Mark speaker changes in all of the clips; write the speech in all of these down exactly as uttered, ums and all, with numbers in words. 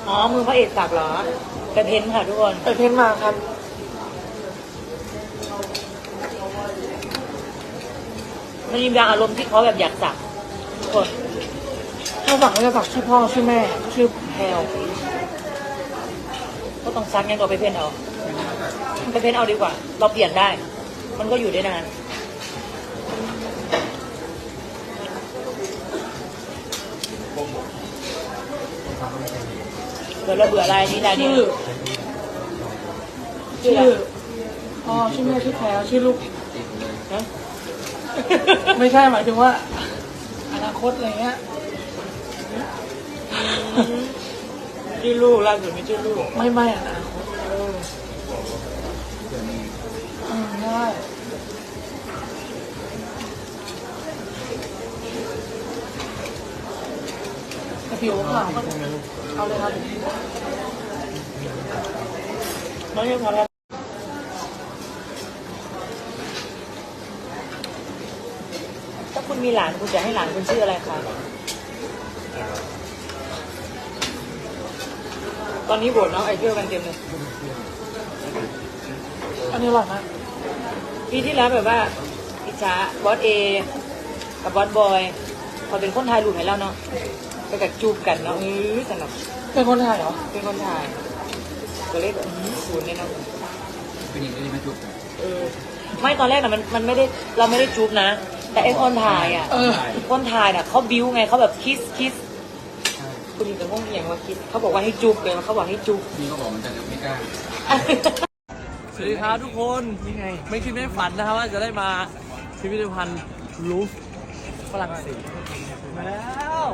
Speaker 1: อ๋อมือพระเอกสักเหรอไปเพ้นค่ะทุกคน
Speaker 2: ไปเพ้นมาครับ
Speaker 1: มันมีบางอารมณ์ที่เขาแบบอยากสักทุกคน
Speaker 2: ถ้าสักก็จะสักชื่อพ่อชื่อแม่ชื่อแพลว
Speaker 1: ก็ต้องซักงั้นก็ไปเพ้นเอาไปเพ้นเอาดีกว่าเราเปลี่ยนได้มันก็อยู่ได้นานเบื่อเราเบื่ออะไรนี่นายนี่
Speaker 2: ชื่อชื่อพ่อชื่อแม่ชื่อแพลวชื่อลูก
Speaker 1: นะ
Speaker 2: ไม่ใช่หมายถึงว่าอนาคตอะไรเงี้ย
Speaker 1: ชื่อลูกล่าสุดมีชื่อลูก
Speaker 2: ไม่ไม่อนาคตอืมได้แต่ผิวขาวก็เอาเลยครับ
Speaker 1: ไม่ใช่พอแล้วถ้าคุณมีหลานคุณจะให้หลานคุณชื่ออะไรคะตอนนี้โบสน้องไอเดียกันเต็มเลย
Speaker 2: อันนี้อร่อยมาก
Speaker 1: ปีที่แล้วแบบว่าอิจฉาบอสเอกับบอสบอยพอเป็นคนไทยรูปให้แล้วเนาะไปกับจูบกันเนาะเออสนุก
Speaker 2: เป็นคนไทยเหรอ
Speaker 1: เป็นคนไทยก็เลยแบบศูนย์เลยเนาะ
Speaker 3: เป็นอย่างนี้ไม่จูบ
Speaker 1: เออไม่ตอนแรกน่ะมันมันไม่ได้เราไม่ได้จูบนะแต่ไอ้คนถ่ายอ่ะคนถ่ายน่ะเขาบิ้วไงเขาแบบคิสคิสคุณจะง่วงอย่างว่าคิดเขาบอกว่าให้จูบเลยเขาบอกให้จูบ
Speaker 3: นี่เขาบอกมันจะไม่กล้า
Speaker 4: สวัสดีครับทุกคน
Speaker 2: นี่ไง
Speaker 4: ไม่คิดไม่ฝันนะครับว่าจะได้มาพิพิธภัณฑ์ลูฟฝรั่งเศสมาแล้ว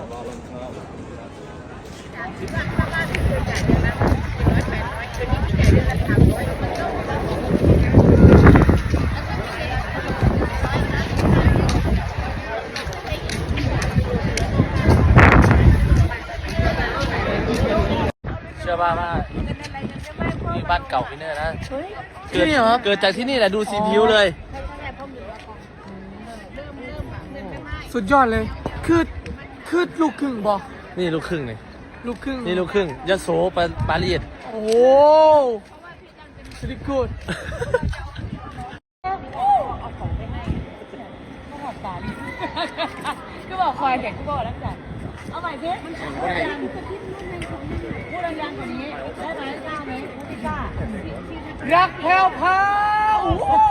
Speaker 4: เชื่อป่ะว่านี่บ้านเก่าพี่เนอร์นะเกิดเกิดจากที่นี่แหละดูสีผิวเลย
Speaker 2: สุดยอดเลยคือคือลูกครึ่งบอก
Speaker 4: นี่ลูกครึ่งเลย
Speaker 2: ลูกครึ่ง
Speaker 4: นี่ลูกครึ่งยโสปาปารีส
Speaker 2: โอ้สุดกูด
Speaker 1: ก็บอกคอยเด็กก็บอกแล้วจ้ะเอาใหม่สิมันพูดดังพูดดังกว่านี้ได้ไหมกล้าไหมพูดกล้า
Speaker 2: รักแพลวพาโอ้โห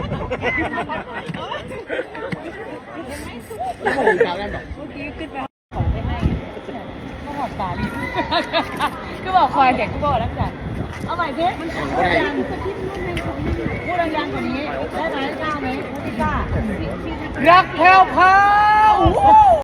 Speaker 1: เมื่อกี้ขึ้นไปของไปให้ก็หอดตาดิก็บอกคอยเด็กก็บอกแล้วจ้ะเอาใหม่สิมันพูดดังพูดดังกว่านี้ได้ไหมกล้าไหมพูดกล้า
Speaker 2: รักแพลวพาโอ้โห